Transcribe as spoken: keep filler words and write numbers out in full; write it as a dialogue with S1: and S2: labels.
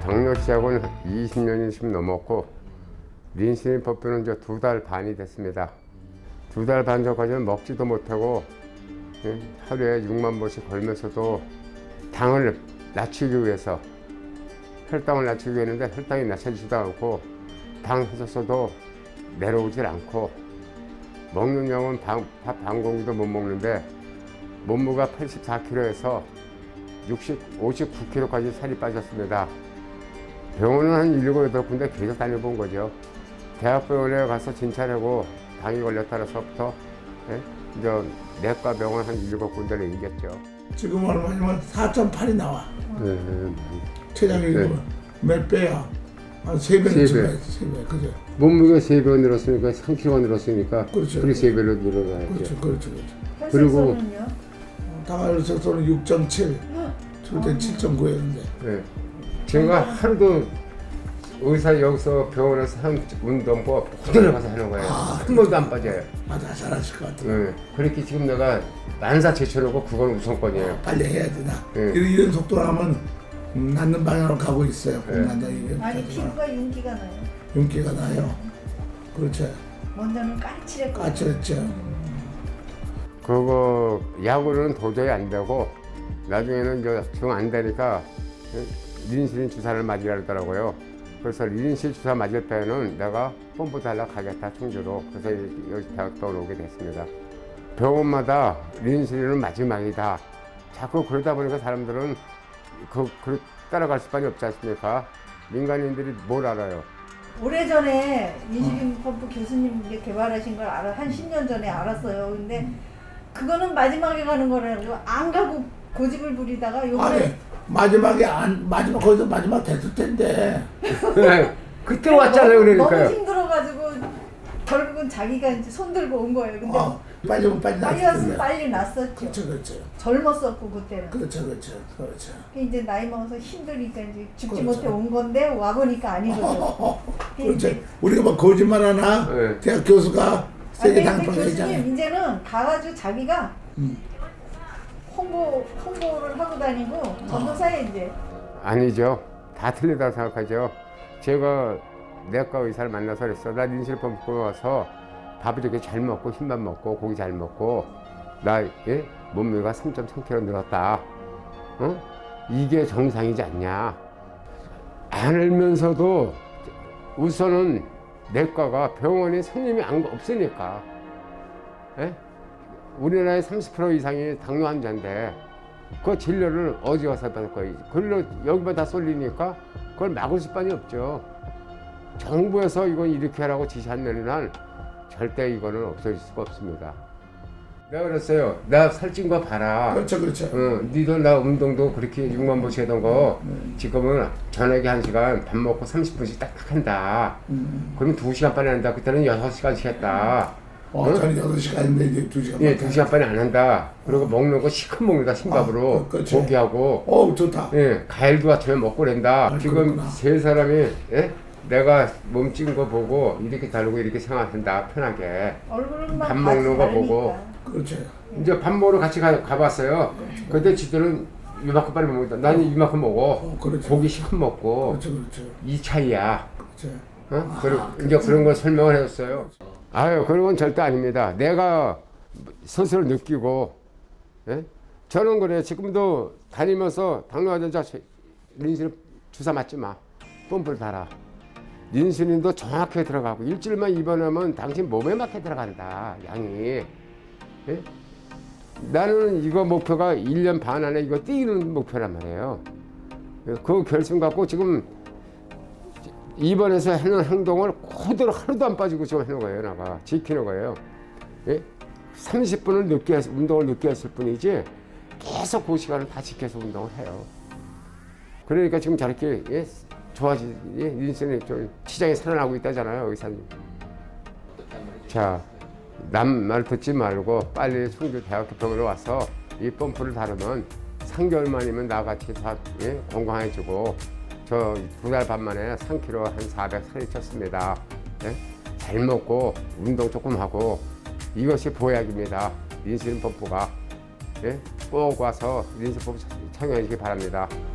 S1: 당뇨 시작은 이십 년이 좀 넘었고 인슐린 펌프는 이제 두 달 반이 됐습니다. 두 달 반 전까지는 먹지도 못하고 하루에 육만 보씩 걸면서도 당을 낮추기 위해서 혈당을 낮추기 위해서 혈당이 낮춰지지도 않고 당 해줬어도 내려오질 않고 먹는 양은 밥 반 공기도 못 먹는데 몸무게가 팔십사 킬로그램에서 육십, 오십구 킬로그램까지 살이 빠졌습니다. 병원은 한 일곱, 여덟 군데 계속 다녀본 거죠. 대학병원에 가서 진찰하고 당이 걸렸다서부터 예? 이제 내과 병원 한 일곱 군데를 옮겼죠.
S2: 지금 얼마냐면 사 점 팔이 나와.
S1: 네, 네.
S2: 체장이
S1: 네.
S2: 몇 배야? 한 세 배는
S1: 세 배.
S2: 세 배, 그죠?
S1: 몸무게 세 배 늘었으니까 삼 킬로그램 늘었으니까
S2: 그렇죠.
S1: 그리 세 배로 늘어나야죠.
S2: 그렇죠, 그렇죠, 그렇죠.
S1: 그리고
S2: 당화혈색소는 육 점 칠, 절대 칠 점 구였는데.
S1: 네. 제가 하루도 의사 여기서 병원에서 한 운동법 그대로 가서 하는 거예요.
S2: 아,
S1: 한 번도 안 빠져요.
S2: 맞아, 잘하실 것 같아요.
S1: 네. 그렇게 지금 내가 만사 제쳐놓고 그건 우선권이에요.
S2: 빨리 해야 되나?
S1: 네.
S2: 이런, 이런 속도로 하면 음, 낫는 방향으로 가고 있어요.
S1: 네.
S2: 난다 이게.
S3: 아니 피부가 윤기가 나요.
S2: 윤기가 나요. 그렇죠.
S3: 먼저는 까칠했고
S2: 까칠했죠.
S1: 그거 약으로는 도저히 안 되고 나중에는 이제 정 안 되니까 인슐린 주사를 맞으라 그러더라고요. 그래서 인슐린 주사 맞을 때는 내가 펌프 달라 가겠다 충주로. 그래서 여기 대학병원 오게 됐습니다. 병원마다 인슐린은 마지막이다. 자꾸 그러다 보니까 사람들은 그, 그 따라갈 수밖에 없지 않습니까? 민간인들이 뭘 알아요?
S3: 오래전에 인슐린 펌프 교수님 이제 개발하신 걸 알아 한 십 년 전에 알았어요. 근데 그거는 마지막에 가는 거라고 안 가고 고집을 부리다가 요번에
S2: 아니 마지막에 안 마지막 거기서 마지막 됐을 텐데.
S1: 그때 왔잖아요.
S3: 너무,
S1: 그러니까요.
S3: 너무 힘들어가지고 결국은 자기가 이제 손 들고 온 거예요. 근데
S2: 아, 빨리 오면 빨리
S3: 빨리
S2: 났을
S3: 왔으면
S2: 텐데.
S3: 빨리 났었죠.
S2: 그렇죠, 그렇죠,
S3: 젊었었고 그때는.
S2: 그렇죠, 그렇죠, 그렇죠.
S3: 이제 나이 먹어서 힘드니까 이제 죽지
S2: 그렇죠.
S3: 못해 온 건데 와 보니까 아니거든.
S2: 그렇죠. 우리가 막 거짓말 하나?
S1: 네.
S2: 대학 교수가 세계
S3: 아니, 근데
S2: 당번에 있잖아요.
S3: 교수님 이제는 가가지고 자기가
S2: 음.
S3: 홍보 홍보를 하고 다니고 전도사에 이제
S1: 아니죠. 다 틀리다고 생각하죠. 제가 내과 의사를 만나서 그랬어. 나 인슐린 펌프 와서 밥을 이렇게 잘 먹고 힘만 먹고 고기 잘 먹고 나 예? 몸무게가 삼 점 삼 킬로그램 늘었다. 어? 이게 정상이지 않냐. 알면서도 우선은 내과가 병원에 손님이 안 없으니까. 예? 우리나라의 삼십 퍼센트 이상이 당뇨 환자인데 그 진료를 어디 가서 받을 거예요? 그걸로 여기만 다 쏠리니까 그걸 막을 수밖에 없죠. 정부에서 이건 이렇게 하라고 지시 안 내는 한 절대 이거는 없어질 수가 없습니다. 내가 그랬어요. 나 살찐 거 봐라.
S2: 그렇죠, 그렇죠.
S1: 응, 니도 나 운동도 그렇게 육만 보씩 하던 거 지금은 저녁에 한 시간 밥 먹고 삼십 분씩 딱딱 한다.
S2: 음.
S1: 그러면 두 시간 반에 한다. 그때는 여섯 시간씩 했다.
S2: 어, 저는 여덟 시간인데 이제 두 시간.
S1: 예, 두 시간 반에 안 한다. 그리고 먹는 거 시큼 먹는다, 흰밥으로.
S2: 아, 그렇죠.
S1: 고기하고.
S2: 어, 좋다.
S1: 예, 과일도 아침에 먹고 그런다.
S2: 아,
S1: 지금
S2: 그렇구나.
S1: 세 사람이, 예? 내가 몸찐 거 보고 이렇게 다르고 이렇게 생활한다, 편하게.
S3: 얼굴만
S1: 밥 먹는 거 보고.
S2: 그렇죠.
S1: 이제 밥 먹으러 같이 가, 가봤어요. 근데 지들은 이만큼 빨리 먹는다. 나는 이만큼 먹어.
S2: 어, 그렇죠.
S1: 고기 시큼 먹고.
S2: 그렇죠, 그렇죠.
S1: 이 차이야.
S2: 그렇죠.
S1: 어? 그리고 이제 그런 걸 설명을 해줬어요. 아유, 그런 건 절대 아닙니다. 내가 스스로 느끼고, 예? 저는 그래. 지금도 다니면서 당뇨 환자 인슐린 주사 맞지 마. 펌프를 달아. 인슐린도 정확하게 들어가고 일주일만 입원하면 당신 몸에 맞게 들어간다. 양이. 예? 나는 이거 목표가 일 년 반 안에 이거 뛰는 목표란 말이에요. 그 결심 갖고 지금 입원해서 하는 행동을 그대로 하나도 안 빠지고 지금 하는 거예요. 나가 지키는 거예요. 예? 삼십 분을 늦게 했, 운동을 늦게 했을 뿐이지 계속 그 시간을 다 지켜서 운동을 해요. 그러니까 지금 저렇게 예? 좋아지, 예? 인슐린이 좀 시장에 살아나고 있다잖아요, 의사님. 자, 남 말 듣지 말고 빨리 충주 대학교 병원에 와서 이 펌프를 다루면 삼 개월 만이면 나같이 다 예? 건강해지고 저 두 달 반 만에 삼 킬로그램 한 사백 살이 쪘습니다. 예? 잘 먹고 운동 조금 하고 이것이 보약입니다. 인슐린 펌프가. 예? 꼭 와서 인슐린 펌프 착용해 주시기 바랍니다.